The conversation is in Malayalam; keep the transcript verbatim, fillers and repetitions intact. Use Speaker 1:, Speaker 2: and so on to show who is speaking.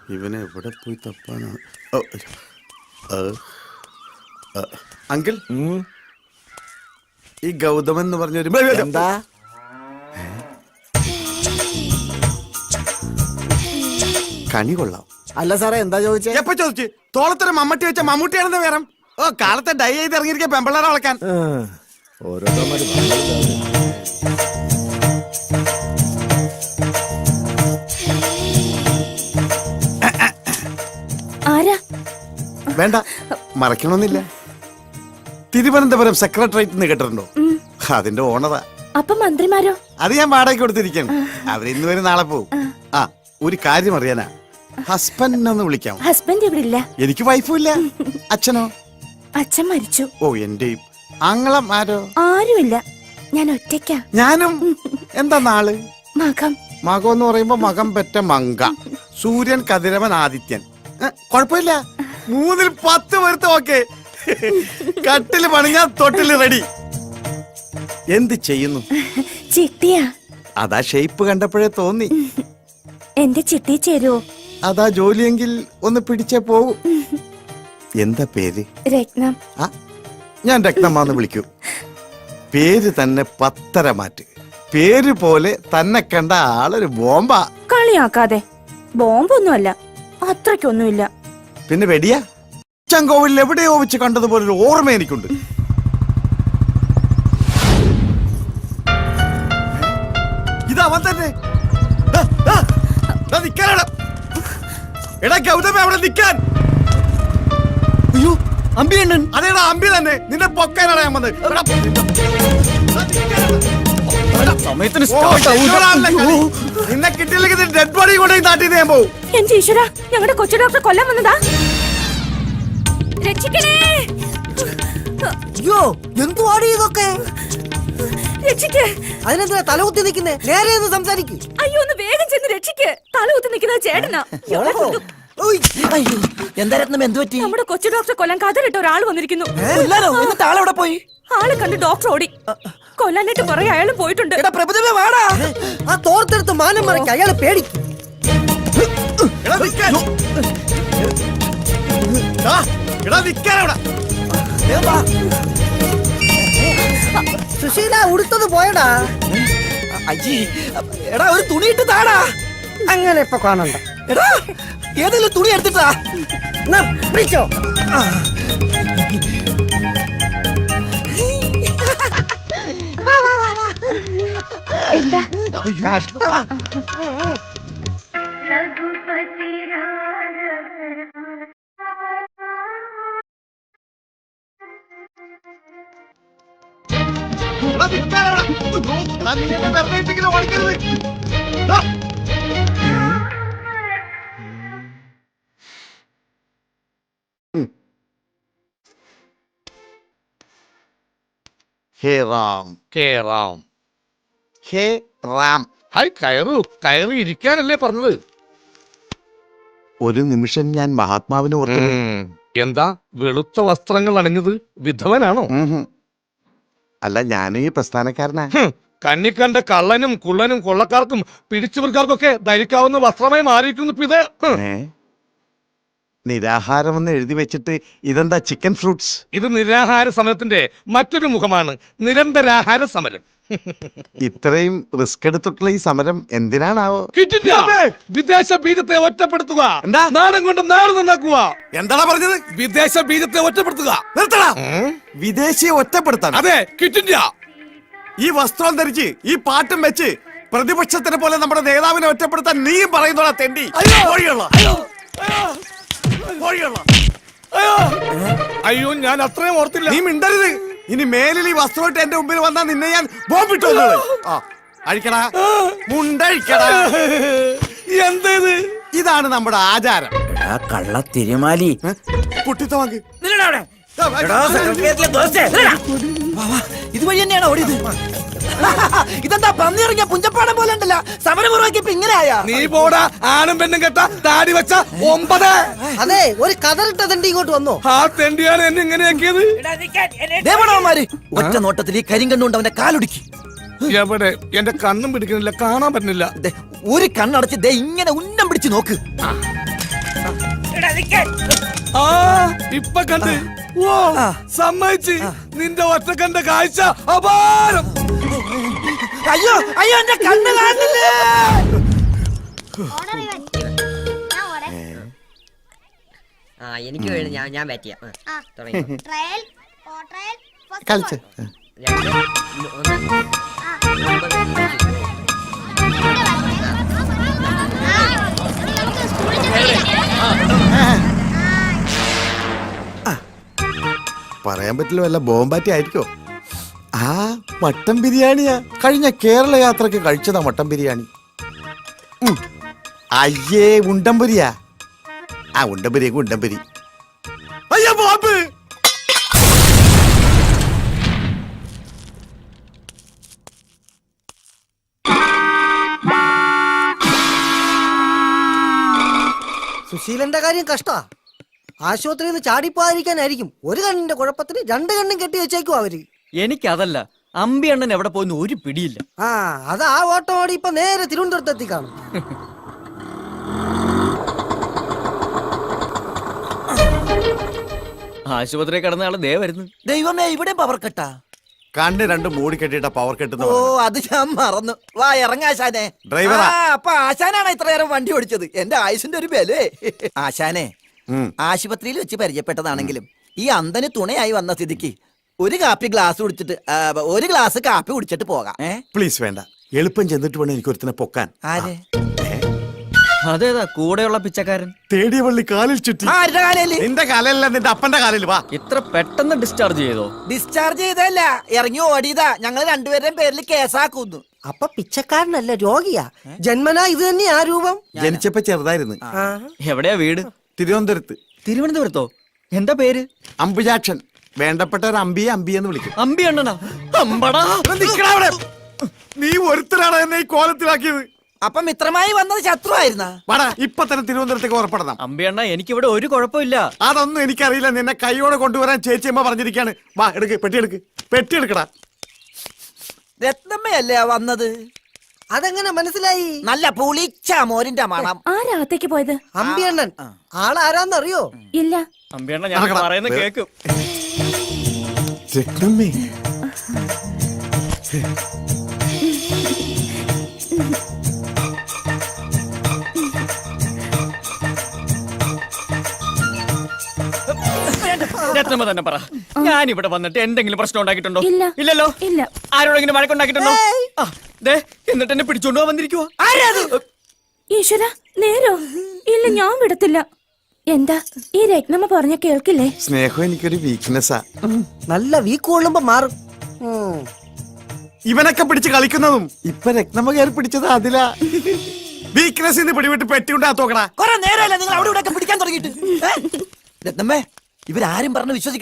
Speaker 1: ഇവനെ എവിടെ പോയി തപ്പാനാണ്? അങ്കിൾ, ഈ ഗൗതമൻ എന്ന് പറഞ്ഞൊരു
Speaker 2: എന്താ
Speaker 1: കണി കൊള്ളാം.
Speaker 2: അല്ല സാറേ, എന്താ ചോദിച്ചേ?
Speaker 1: എപ്പ ചോദിച്ചു? തോളത്തൊരു മമ്മൂട്ടി വെച്ച മമ്മൂട്ടിയാണെന്ന് വേറെ. ഓ, കാലത്തെ ഡൈ ചെയ്ത് ഇറങ്ങിയിരിക്കുക പെമ്പിള്ളേരെ വളക്കാൻ. വേണ്ട, മറക്കണമെന്നില്ല. തിരുവനന്തപുരം സെക്രട്ടേറിയറ്റ് നിന്ന് കേട്ടിട്ടുണ്ടോ? അതിന്റെ ഓണറാ.
Speaker 3: അപ്പൊ മന്ത്രിമാരോ?
Speaker 1: അത് ഞാൻ വാടകയ്ക്ക് കൊടുത്തിരിക്കണം. അവർ ഇന്ന് വരെ നാളെ പോകും. ആ, ഒരു കാര്യം അറിയാനാ. ഹസ്ബൻഡ് ഒന്ന് വിളിക്കാം.
Speaker 3: ഹസ്ബൻഡ് ഇവിടെ ഇല്ല.
Speaker 1: എനിക്ക് വൈഫും ഇല്ല. അച്ഛനോ?
Speaker 3: അച്ഛൻ മരിച്ചു.
Speaker 1: ഓ, എന്റെയും. ആങ്ങളം ആരോ?
Speaker 3: ആരുമില്ല, ഞാൻ ഒറ്റയ്ക്കാ.
Speaker 1: ഞാനും. എന്താ നാള്?
Speaker 3: മകം.
Speaker 1: മകം എന്ന് പറയുമ്പോ മകം പെറ്റ മങ്ക. സൂര്യൻ, കതിരവൻ, ആദിത്യൻ. കൊഴപ്പില്ല, മൂന്നിൽ പത്ത് പേർത്ത്. ഓക്കെ, കട്ടില് പണിഞ്ഞാ തൊട്ടില് റെഡി. എന്ത് ചെയ്യുന്നു?
Speaker 3: ചിട്ടിയാ.
Speaker 1: അതാ ഷേപ്പ് കണ്ടപ്പോഴേ തോന്നി.
Speaker 3: എന്റെ ചിട്ടി ചേരുവോ?
Speaker 1: അതാ ജോലിയെങ്കിൽ ഒന്ന് പിടിച്ചേ പോകൂ. എന്താ പേര്?
Speaker 3: രത്നം.
Speaker 1: ആ, ഞാൻ രത്നമാന്ന് വിളിക്കൂ. പേര് തന്നെ പത്തര മാറ്റ്. പേര് പോലെ തന്നെ കണ്ട ആളൊരു ബോംബാ.
Speaker 3: കളിയാക്കാതെ. ബോംബൊന്നുമല്ല, അത്രയ്ക്കൊന്നുമില്ല.
Speaker 1: പിന്നെ വെടിയാ? ചങ്കോവിൽ എവിടെയോ വെച്ച് കണ്ടതുപോലെ ഒരു ഓർമ്മ എനിക്കുണ്ട്. ഇതവൻ തന്നെ. എടാ ഗൗതമ, അവിടെ നിൽക്കാൻ.
Speaker 2: അയ്യോ, അമ്പി അണ്ണൻ.
Speaker 1: അതേടാ, അമ്പി തന്നെ. നിന്നെ പൊക്കാനാണ് ഞാൻ വന്നത്. നിന്നെ കിട്ടിയില്ലെങ്കിൽ ഡെഡ് ബോഡി കൊണ്ടുപോയി നാട്ടിൽ ഞാൻ പോകും.
Speaker 3: എന്റെ ഈശ്വര, ഞങ്ങളുടെ കൊച്ചു ഡോക്ടർ കൊല്ലാൻ വന്നതാ. രക്ഷിക്കണേ.
Speaker 2: അയ്യോ, എന്തുവാടി ഇതൊക്കെ?
Speaker 3: രക്ഷിക്ക്.
Speaker 2: അതിനെന്താ തലകുത്തി നിൽക്കുന്നേ? നേരെ ഒന്ന് സംസാരിക്കും.
Speaker 3: അയ്യോ, ഒന്ന് വേഗം ചെന്ന് രക്ഷിക്ക്. തലകുത്തി നിൽക്കുന്നത് ചേട്ടനാ.
Speaker 2: എന്താ രത്നം, എന്ത് പറ്റി?
Speaker 3: നമ്മുടെ കൊച്ചു ഡോക്ടറെ കൊല്ലാൻ കഥലിട്ട ഒരാൾ വന്നിരിക്കുന്നു.
Speaker 2: ആളെവിടെ പോയി?
Speaker 3: ആളെ കണ്ട് ഡോക്ടർ ഓടി. കൊല്ലാനായിട്ട് കുറെ അയാളും പോയിട്ടുണ്ട്.
Speaker 2: ആ തോർത്തെടുത്ത് മാനം മറയ്ക്ക്, അയാളെ പേടിക്കും. സുശീല, ഉടുത്തത് പോയടാ.
Speaker 4: അയ്യേ, എടാ ഒരു തുണി ഇട്ട് താടാ.
Speaker 2: അങ്ങനെ ഇപ്പൊ കാണണ്ട.
Speaker 4: എടാ, ഏതെങ്കിലും തുണി എടുത്തിട്ടാ.
Speaker 2: പിടിച്ചോ.
Speaker 3: എന്താ?
Speaker 1: ഹേ റാം,
Speaker 5: ഹേ റാം,
Speaker 1: ഹേ റാം.
Speaker 5: ഹായ്, കയറു. കയറി ഇരിക്കാനല്ലേ പറഞ്ഞത്?
Speaker 1: ഒരു നിമിഷം ഞാൻ മഹാത്മാവിനെ ഓർത്തു.
Speaker 5: എന്താ വെളുത്ത വസ്ത്രങ്ങൾ അണിഞ്ഞത്? വിധവനാണോ?
Speaker 1: അല്ല, ഞാൻ ഈ പ്രസ്ഥാനക്കാരനാ.
Speaker 5: കന്നിക്കണ്ട കള്ളനും കുള്ളനും കൊള്ളക്കാർക്കും പിടിച്ചുപറിക്കാർക്കൊക്കെ ധരിക്കാവുന്ന വസ്ത്രമായി മാറിയിരിക്കുന്നു ഇപ്പൊ ഇത്.
Speaker 1: നിരാഹാരം എന്ന് എഴുതി വെച്ചിട്ട് ഇതെന്താ ചിക്കൻ ഫ്രൂട്ട്സ്?
Speaker 5: ഇത് നിരാഹാര സമരത്തിന്റെ മറ്റൊരു മുഖമാണ്. നിരന്തരാഹാര സമരം.
Speaker 1: ഇത്രയും റിസ്ക് എടുത്തിട്ടുള്ള ഈ സമരം എന്തിനാണാവോ?
Speaker 5: വിദേശ ബീജത്തെ ഒറ്റപ്പെടുത്തുക. നാടൻ കൊണ്ട് നാട് നന്നാക്കുക.
Speaker 1: എന്താണ് പറഞ്ഞത്?
Speaker 5: വിദേശ ബീജത്തെ ഒറ്റപ്പെടുത്തുക.
Speaker 1: നിർത്തടാ. വിദേശിയെ ഒറ്റപ്പെടുത്താൻ?
Speaker 5: അതെ, ക്വിറ്റ് ഇന്ത്യ.
Speaker 1: ഈ വസ്ത്രം ധരിച്ച് ഈ പാട്ടും വെച്ച് പ്രതിപക്ഷത്തിനെ പോലെ നമ്മുടെ നേതാവിനെ ഒറ്റപ്പെടുത്താൻ നീയും പറയുന്നോടാ തെണ്ടി.
Speaker 5: അയ്യോ, ഞാൻ അത്രയും ഓർത്തില്ല.
Speaker 1: നീ മിണ്ടരുത്. ഇനി മേലിൽ ഈ വസ്ത്രമായിട്ട് എന്റെ മുമ്പിൽ വന്നാൽ നിന്നെ ഞാൻ ബോംബിട്ടു. അഴിക്കടാ, മുണ്ടഴിക്കടാ.
Speaker 5: എന്തേത്?
Speaker 1: ഇതാണ് നമ്മുടെ ആചാരം.
Speaker 2: കള്ള തിരുമാലി.
Speaker 1: കുട്ടിത്ത വാങ്ങി.
Speaker 2: ഇതുവഴി തന്നെയാണോ ഓടിയത്? ഇതെന്താ പന്നി ഇറങ്ങിയ പുഞ്ചപ്പാടം പോലെ ഉണ്ടല്ലോ. സമരപൂർവ്വം ഇങ്ങനെയാ?
Speaker 5: നീ പോടാ, ആണും പെണ്ണും കെട്ട താടി വെച്ച ഒമ്പത്.
Speaker 2: അതെ, ഒരു കതറിട്ട തെണ്ടി ഇങ്ങോട്ട് വന്നോ.
Speaker 5: ആ തെണ്ടിയാണ് എന്നെ ഇങ്ങനെയാക്കിയത്.
Speaker 2: ദേവണവന്മാര് ഒറ്റ നോട്ടത്തിൽ ഈ കരിങ്കണ്ണുകൊണ്ട് അവന്റെ കാലൊടുക്കി.
Speaker 5: എവിടെ? എന്റെ കണ്ണും പിടിക്കുന്നില്ല, കാണാൻ പറ്റുന്നില്ല.
Speaker 2: ഒരു കണ്ണടച്ച് ദേ ഇങ്ങനെ ഉന്നം പിടിച്ച് നോക്ക്.
Speaker 5: ആ ഇപ്പൊ കണ്ട് ഓ സമ്മതിച്ച് നിന്റെ ഒറ്റക്കണ്ട കാഴ്ച അപാരം.
Speaker 2: അയ്യോ അയ്യോ എന്റെ കണ്ണ് കാണുന്നില്ലേ.
Speaker 6: ആ എനിക്ക് വേണ്ടി ഞാൻ ഞാൻ ബാറ്റ് ചെയ്യാം ആ, തുടങ്ങി
Speaker 7: ട്രയൽ ഓ ട്രയൽ ഫസ്റ്റ്
Speaker 1: കളിച്ച്
Speaker 6: രണ്ട് ഒന്ന് ഒമ്പത്
Speaker 7: നമുക്ക് സ്കൂളിൽ ചെന്ന്
Speaker 1: പറയാൻ പറ്റില്ല, വല്ല ബോംബാറ്റി ആയിരിക്കോ? ആ മട്ടൻ ബിരിയാണിയാ. കഴിഞ്ഞ കേരള യാത്രക്ക് കഴിച്ചതാ മട്ടൻ ബിരിയാണി. ഉം. അയ്യേ ഉണ്ടംപുരിയാ. ആ ഉണ്ടംപുരിയൊക്കെ ഉണ്ടംപുരി. അയ്യോ ബോംബ്.
Speaker 2: സുശീലന്റെ കാര്യം കഷ്ടാ. ആശുപത്രിയിൽ നിന്ന് ചാടിപ്പോകാതിരിക്കാനായിരിക്കും ഒരു കണ്ണിന്റെ കുഴപ്പത്തിന് രണ്ട് കണ്ണും കെട്ടി വെച്ചേക്കും അവര്.
Speaker 4: എനിക്കതല്ല, അമ്പി അണ്ണൻ എവിടെ പോയെന്ന് ഒരു പിടിയില്ല.
Speaker 2: ആ അത് ആ ഓട്ടം ഓടി ഇപ്പൊ നേരെ തിരുവനന്തപുരത്ത് എത്തി കാണും.
Speaker 4: ആശുപത്രി കിടന്ന ആള് ദേ വരുന്നു.
Speaker 2: ദൈവമേ ഇവിടെ പവർ കട്ടാ.
Speaker 1: കണ്ണ് രണ്ട് മൂടി കെട്ടിട്ട പവർ കെട്ടുന്ന
Speaker 2: ഓ അത് ഞാൻ മറന്നു. വാ ഇറങ്ങാശാനെ.
Speaker 1: ഡ്രൈവറാ.
Speaker 2: അപ്പൊ ആശാനാണ് ഇത്ര നേരം വണ്ടി ഓടിച്ചത്. എന്റെ ആയുസിന്റെ ഒരു ബലേ. ആശാനെ
Speaker 1: ഉം.
Speaker 2: ആശുപത്രിയിൽ വെച്ച് പരിചയപ്പെട്ടതാണെങ്കിലും ഈ അന്തന് തുണയായി വന്ന സ്ഥിതിക്ക് ഒരു കാപ്പി ഗ്ലാസ് കുടിച്ചിട്ട് ആ, ഒരു ഗ്ലാസ് കാപ്പി കുടിച്ചിട്ട് പോകാം. ഏ
Speaker 1: പ്ലീസ് വേണ്ട, എളുപ്പം ചെന്നിട്ട് വേണം എനിക്കൊരുത്തിനെ പൊക്കാൻ.
Speaker 2: ആര്
Speaker 4: അതേതാ കൂടെയുള്ള പിച്ചക്കാരൻ?
Speaker 1: തേടിയ വള്ളി കാലിൽ ചുറ്റി.
Speaker 2: ആരുടെ കാലയില്?
Speaker 1: നിന്റെ കാലല്ല, നിന്റെ അപ്പന്റെ കാലിൽ. വാ.
Speaker 4: ഇത്ര പെട്ടെന്ന് ഡിസ്ചാർജ് ചെയ്തോ?
Speaker 2: ഡിസ്ചാർജ് ചെയ്തല്ല, ഇറങ്ങി ഓടിയതാ. ഞങ്ങൾ രണ്ടുപേരുടെയും പേരിൽ കേസാക്കുന്നു. അപ്പൊ പിച്ചക്കാരനല്ല, രോഗിയാ. ജന്മനാ ഇത് തന്നെയാ രൂപം.
Speaker 1: ജനിച്ചപ്പോ ചെറുതായിരുന്നു.
Speaker 4: എവിടെയാ വീട്?
Speaker 1: തിരുവനന്തപുരത്ത്.
Speaker 4: തിരുവനന്തപുരത്തോ? എന്താ പേര്?
Speaker 1: അമ്പുജാക്ഷൻ. വേണ്ടപ്പെട്ട ഒരു അമ്പിയെ അമ്പിയെന്ന് വിളിക്കും.
Speaker 4: അമ്പി അണ്ണനാ? അമ്പടാ.
Speaker 1: നിക്കടാ അവിടെ. നീ ഒരുത്തരാണ് എന്നെ ഈ കോലത്തിലാക്കിയത്.
Speaker 2: അപ്പൊ മിത്രമായി വന്നത് ശത്രു ആയിരുന്ന?
Speaker 1: വാടാ, ഇപ്പൊ തന്നെ തിരുവനന്തപുരത്തേക്ക് ഉറപ്പെടണം.
Speaker 4: അമ്പി അണ്ണ, എനിക്കിവിടെ ഒരു കുഴപ്പമില്ല.
Speaker 1: അതൊന്നും എനിക്കറിയില്ല. നിന്നെ കൈയോടെ കൊണ്ടുവരാൻ ചേച്ചിയമ്മ പറഞ്ഞിരിക്കാണ്. വാ എടുക്ക്, പെട്ടി എടുക്ക്, പെട്ടി എടുക്കടാ.
Speaker 2: രത്നമ്മയല്ലേ വന്നത്? അതെങ്ങനെ മനസ്സിലായി? നല്ല പുളിച്ച മോരിന്റെ മണം.
Speaker 3: ആരാകത്തേക്ക് പോയത്?
Speaker 2: അമ്പിയണ്ണൻ. ആളാരാന്നറിയോ?
Speaker 3: ഇല്ല.
Speaker 4: അമ്പി അണ്ണ, ഞാൻ
Speaker 1: നടക്കടാ.
Speaker 4: പറയുന്ന കേക്കും.
Speaker 1: രത്നമ്മേ.
Speaker 4: രത്നമ്മ തന്നെ പറ, ഞാൻ ഇവിടെ വന്നിട്ട് എന്തെങ്കിലും പ്രശ്നം ഉണ്ടാക്കിയിട്ടുണ്ടോ?
Speaker 3: ഇല്ല.
Speaker 4: ഇല്ലല്ലോ.
Speaker 3: ഇല്ല.
Speaker 4: ആരോടെങ്കിലും വഴക്കുണ്ടാക്കിയിട്ടുണ്ടോ? ആ, ദേ, എന്നിട്ട് എന്നെ പിടിച്ചോണ്ട് പോകാൻ വന്നിരിക്കുവോ?
Speaker 3: ഈശ്വര, നേരോ? ഇല്ല, ഞാൻ വിടത്തില്ല. എന്താ ഈ രത്നമ്മ പറഞ്ഞ കേൾക്കില്ലേ?
Speaker 1: സ്നേഹം എനിക്കൊരു വീക്ക്നെസ്സാ.
Speaker 2: നല്ല വീക്ക് കൊള്ളുമ്പോ മാറും.
Speaker 1: ഇവനൊക്കെ പിടിച്ച് കളിക്കുന്നതും ഇപ്പൊ രത്നമ്മ കയറി പിടിച്ചത് അതിലാ. വീക്ക്നെസ് പിടിവിട്ട് പെട്ടിയുണ്ടാ തോക്കടാ.
Speaker 2: കൊറേ നേരമല്ല നിങ്ങൾ അവിടെ ഇവിടെ പിടിക്കാൻ തുടങ്ങിയിട്ട്. രത്നമ്മേ, ഇവരാരും പറഞ്ഞ് വിശ്വസിക്കും.